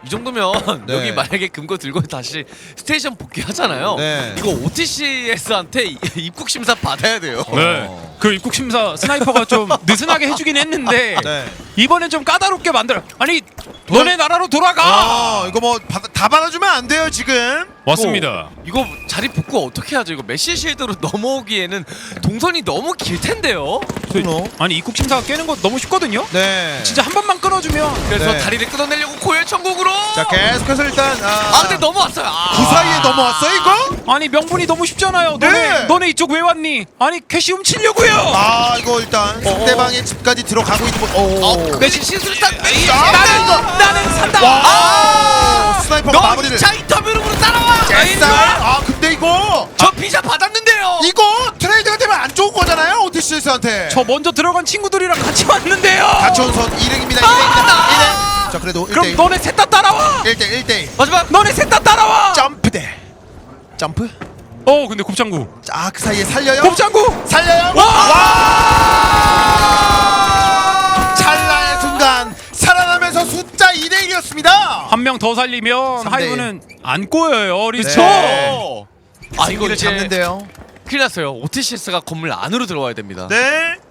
이 정도면 네. 여기 만약에 금고 들고 다시 스테이션 복귀하잖아요. 네. 이거 OTCS한테 입국 심사 받아야 돼요. 네. 그 입국 심사 스나이퍼가 좀 느슨하게 해주긴 했는데 네. 이번엔 좀 까다롭게 만들어. 아니 너네 나라로 돌아가. 이거 뭐 다 받아주면 안 돼요 지금. 왔습니다. 이거 자리 복구 어떻게 하죠? 이거 메시 실드로 넘어오기에는 동선이 너무 길 텐데요. 아니 입국 심사가 깨는 거 너무 쉽거든요. 네. 진짜 한 번만 끊어주면. 그래서 네. 다리를 끊어내려고 고열 천국으로. 자 계속해서 일단 근데 넘어왔어요. 그 사이에 넘어왔어 이거? 아니 명분이 너무 쉽잖아요. 네. 너네 이쪽 왜 왔니? 아니 캐시 훔치려고요. 이거 일단 상대방의 집까지 들어가고 있는 거. 메시 시술산 메시. 나는 산다. 스나이퍼가 마무리를. 2차 인터뷰로 따라와. 근데 이거 저 비자 받았는데요. 이거 트레이드가 되면 안 좋은 거잖아요 오티시스한테. 저 먼저 들어간 친구들이랑 같이 왔는데요. 같이 온 선 2등입니다. 2등. 자 그래도 그럼 1대1. 너네 셋 다 따라와. 1대1. 마지막. 너네 셋 다 따라와. 점프대. 점프. 근데 곱창구. 그 사이에 살려요. 곱창구. 살려요. 찰나의 순간 살아나면서 숫자 2대1이었습니다. 한 명 더 살리면 3대1. 하이브는 안 꼬여요. 리스초. 네. 이거 이거를 이제 잡는데요. 큰일 났어요. OTCS가 건물 안으로 들어와야 됩니다. 네.